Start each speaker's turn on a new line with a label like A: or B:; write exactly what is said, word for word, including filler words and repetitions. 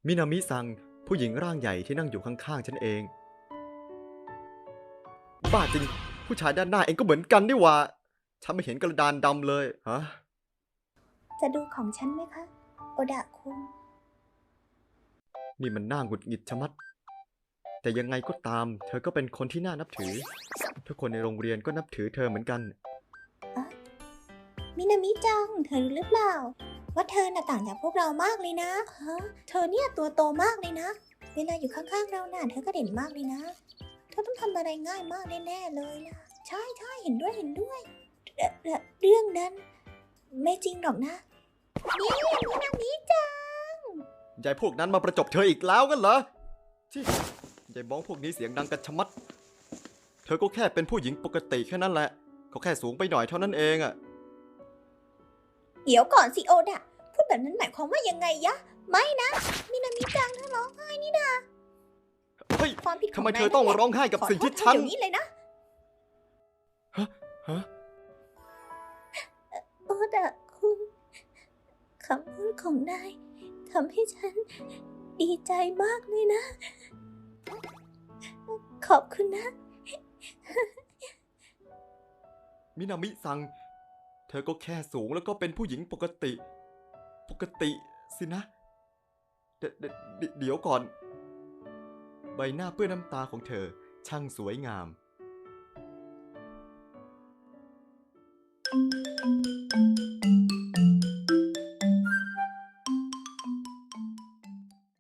A: มินามิซังผู้หญิงร่างใหญ่ที่นั่งอยู่ข้างๆฉันเองบ้าจริงผู้ชายด้านหน้าเองก็เหมือนกันนี่หว่าฉันไม่เห็นกระดานดำเลยฮะ
B: จะดูของฉันไหมคะ โอดะคุง
A: นี่มันน่าหงุดหงิดชะมัดแต่ยังไงก็ตามเธอก็เป็นคนที่น่านับถือทุกคนในโรงเรียนก็นับถือเธอเหมือนกัน
B: มินามิจัง เธอรู้หรือเปล่า ว่าเธอน่ะต่างจากพวกเรามากเลยนะฮะเธอเนี่ยตัวโตมากเลยนะ เวลาอยู่ข้างๆเราน่ะเธอก็เด่นมากเลยนะ เธอต้องทำอะไรง่ายมากแน่ๆเลยล่ะ ใช่ใช่เห็นด้วยเห็นด้วยเอ่อเอ่อเรื่องนั้นไม่จริงหรอกนะ นี่มินามิจัง
A: ยายพวกนั้นมาประจบเธออีกแล้วกันเหรอที่ยายบ้องพวกนี้เสียงดังกันชะมัด เธอก็แค่เป็นผู้หญิงปกติแค่นั้นแหละเขาแค่สูงไปหน่อยเท่านั้นเองอะ
B: เดี๋ยวก่อนสิโอดะ พูดแบบนั้นหมายความว่ายังไงยะ ไม่นะ มินามิจังเธอร้องไห้นี่นะ
A: เฮ้ย
B: ความผิดของ
A: ทำไม
B: นาย
A: เธอต้อง
B: นั่นแหละ
A: ร้องไห้กับ
B: ขอ
A: สิ่ง
B: โท
A: ที่
B: ษเธอ
A: ฉัน
B: เดี๋ยวนี้เลยนะ
A: ฮะ
B: โอดะคุณคำพูดของนายทำให้ฉันดีใจมากเลยนะ ขอบคุณนะ
A: มินามิซัง เธอก็แค่สูงแล้วก็เป็นผู้หญิงปกติ ปกติสินะ เดเดเดเดี๋ยวก่อน ใบหน้าเปื้อนน้ำตาของเธอช่างสวยงาม